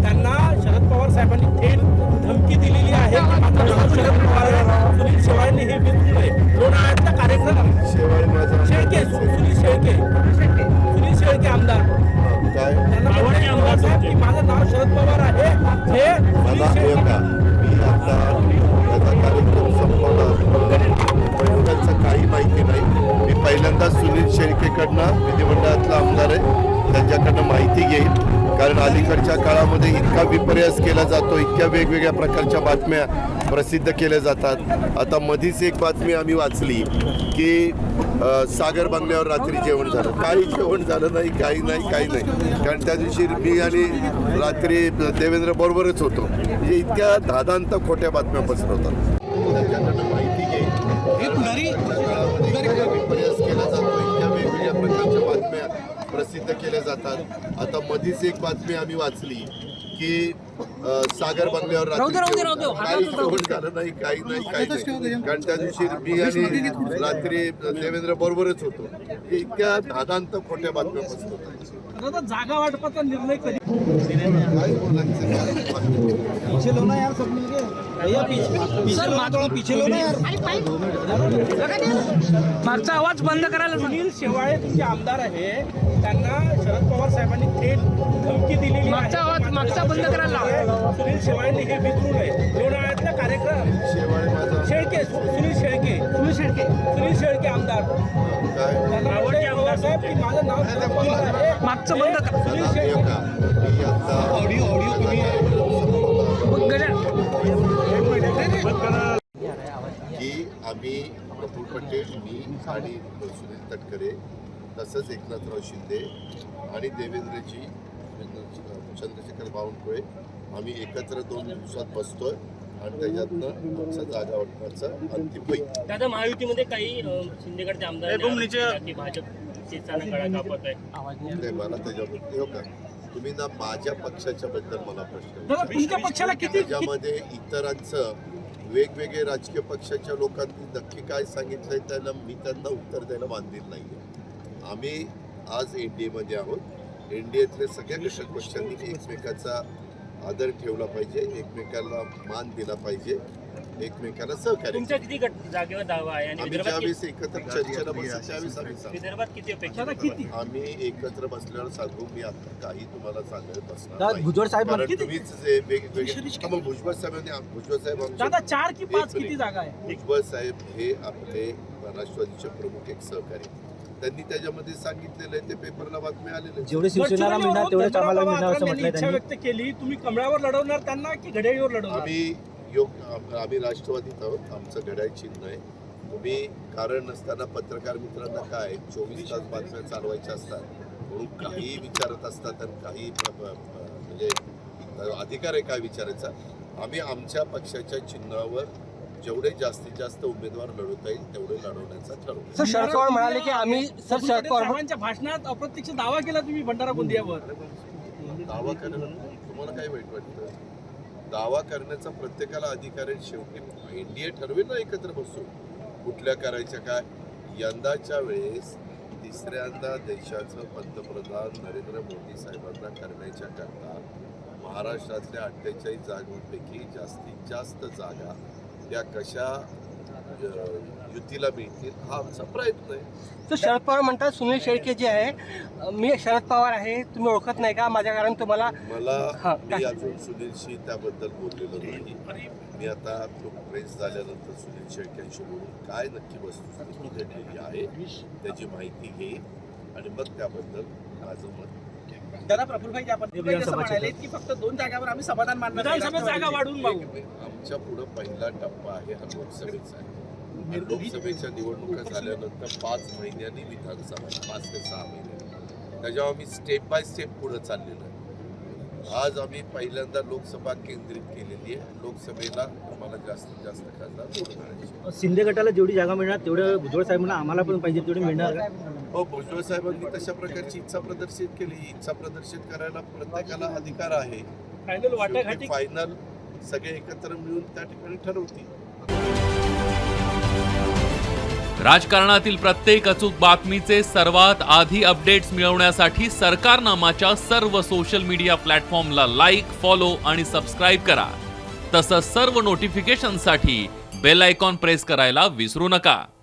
त्यांना शरद पवार साहेबांनी थेट धमकी दिलेली आहे की माझं नाव शरद पवार आहे, सुनील शेवाळेंनी हे विचारू नये. लोणावळ्यातला कार्यक्रम शेळके, सुनील शेळके आमदार, त्यांना म्हटलं आमदार साहेब की माझं नाव शरद पवार आहे, हे मला मी आता याचा कार्यक्रम संपवला, त्याचं काही माहिती नाही. मी पहिल्यांदा सुनील शेळकेकडनं, विधिमंडळातला आमदार आहे, त्यांच्याकडनं माहिती घेईल. कारण अलीकडच्या काळामध्ये इतका विपर्यास केला जातो, इतक्या वेगवेगळ्या प्रकारच्या बातम्या प्रसिद्ध केल्या जातात. आता मधीच एक बातमी आम्ही वाचली की सागर बंगल्यावर रात्री जेवण झालं. काही जेवण झालं नाही, काही नाही. कारण त्या दिवशी मी आणि रात्री देवेंद्र बरोबरच होतो. म्हणजे इतक्या धादांत खोट्या बातम्या पसरवतात. त्याच्याकडनं माहिती घेईल. विपर्यास केला जातो, इतक्या वेगवेगळ्या प्रकारच्या बातम्या प्रसिद्ध केल्या जातात. आता मधीच एक बातमी आम्ही वाचली की सागर बंगल्यावर रात्री काही जेवण झालं नाही, काही नाही. कारण त्या दिवशी मी आणि रात्री देवेंद्र बरोबरच होतो. इतक्या धादांत खोट्या बातम्या पसरवतात. जागा वाटपाचा निर्णय कधी मागचा आवाज बंद करायला. सुनील शेवाळे तुमचे आमदार आहे, त्यांना शरद पवार साहेबांनी थेट धमकी दिलेली. मागचा आवाज बंद करायला. सुनील शेवाळेंनी हे विचारू नये. लोणावळ्यातला कार्यक्रम शेळके, सुनील शेळके आमदार, त्यांना म्हटलं पवार साहेब की माझं नाव शरद पवार आहे, मागचं बंद करा. सुनील शेळके की आम्ही प्रफुल्ल पटेल, मी आणि सुनील तटकरे, तसंच एकनाथराव शिंदे आणि देवेंद्रजी, चंद्रशेखर बावनकुळे, आम्ही एकत्र 2 दिवसात बसतोय आणि त्याच्यातनं आमचं जागा वाटपाचं अंतिम होईल. दादा, महायुतीमध्ये काही शिंदेगडचे आमदार की भाजपची कळा कापत आहे. मला त्याच्याबद्दल का तुम्ही ना माझ्या पक्षाच्या बद्दल मला प्रश्न तुमच्या पक्षाला किती त्याच्यामध्ये इतरांचं वेगवेगळे राजकीय पक्षाच्या लोकांनी नक्की काय सांगितलंय त्याला मी त्यांना उत्तर द्यायला बांधील नाहीये. आम्ही आज NDA मध्ये आहोत. NDAतल्या सगळ्या घटक पक्षांनी एकमेकाचा आदर ठेवला पाहिजे, एकमेकाला मान दिला पाहिजे, एकमेकाला सहकार्य. तुमच्या किती जागेवर दावा आहे आणि ज्यावेळेस एकत्र चर्चेला बसू त्यावेळेस आम्ही विदर्भात किती अपेक्षा आम्ही एकत्र बसल्यावर सांगू. मी आता काही तुम्हाला सांगत बसणार भुजबळ साहेब तुम्हीच जे वेगवेगळे मग भुजबळ साहेब 4 की 5 किती जागा आहे. भुजबळ साहेब हे आपले राष्ट्रवादीचे प्रमुख एक सहकारी, त्यांनी त्याच्यामध्ये सांगितलेलं आहे. ते पेपरला बातमी आलेले. जेवढे शिवसेनेला मिळणार तेवढेच आम्हाला मिळणार असं म्हटलं. इच्छा व्यक्त केली. तुम्ही कमळावर लढवणार त्यांना की घड्याळीवर लढवणार? आम्ही राष्ट्रवादीत आहोत. आमचं घड्याळ चिन्ह आहे. तुम्ही कारण नसताना पत्रकार मित्रांना काय 24 तास बातम्या चालवायच्या असतात म्हणून काही विचारत असतात आणि काही म्हणजे अधिकार आहे काय विचारायचा. आम्ही आमच्या पक्षाच्या चिन्हावर जेवढे जास्तीत जास्त उमेदवार लढवता येईल तेवढे लढवण्याचा ठरवलं. शरद पवार म्हणाले की आम्ही शरद पवारांच्या भाषणात अप्रत्यक्ष दावा केला तुम्ही भंडारा गोंदियावर. दावा करायला तुम्हाला काय वाईट वाटतं? दावा करण्याचा प्रत्येकाला अधिकार आहे. शेवटी NDA ठरवेल ना एकत्र बसून कुठल्या करायच्या काय. यंदाच्या वेळेस तिसऱ्यांदा देशाचं पंतप्रधान नरेंद्र मोदी साहेबांना करण्याच्या करता महाराष्ट्रातल्या 48 जागांपैकी जास्तीत जास्त जागा या कशा युतीला मिळतील हा आमचा प्रयत्न आहे. तर शरद पवार म्हणतात सुनील शेळके जे आहे, मी शरद पवार आहे, तुम्ही ओळखत नाही का माझ्या कारण तुम्हाला. मी अजून सुनीलशी त्याबद्दल बोललेलो नाही. मी आता प्रेस झाल्यानंतर सुनील शेळकेंशी बोलून काय नक्की वस्तुस्थिती घडलेली आहे त्याची माहिती घेईल आणि मग त्याबद्दल माझं मत. दादा, प्रफुल्लभाई म्हणाले की फक्त 2 जागावर आम्ही समाधान मानणार, जागा वाढवून मागू. आमच्या पुढे पहिला टप्पा आहे हा लोकसभेचा आहे. लोकसभेच्या निवडणुका झाल्यानंतर 5 महिन्यांनी विधानसभा, 5 ते 6 महिन्यांनी, त्याच्यावर आम्ही स्टेप बाय स्टेप पुढे चाललेलो आहे. आज आम्ही पहिल्यांदा लोकसभा केंद्रित केलेली आहे. लोकसभेला आम्हाला जास्तीत जास्त खासदार निवडून आणायचे. शिंदे गटाला जेवढी जागा मिळणार तेवढं भुजबळ साहेबांना आम्हाला पण पाहिजे तेवढी मिळणार. हो, भुजबळ साहेबांनी तशा प्रकारची इच्छा प्रदर्शित केली. इच्छा प्रदर्शित करायला प्रत्येकाला अधिकार आहे. फायनल सगळे एकत्र मिळून त्या ठिकाणी ठरवतील. राजकारणातील प्रत्येक अचूक बातमीचे सर्वात आधी अपडेट्स मिळवण्यासाठी सरकारनामाच्या सर्व सोशल मीडिया प्लॅटफॉर्मला लाईक, फॉलो आणि सबस्क्राईब करा. तसंच सर्व नोटिफिकेशनसाठी बेल आयकॉन प्रेस करायला विसरू नका.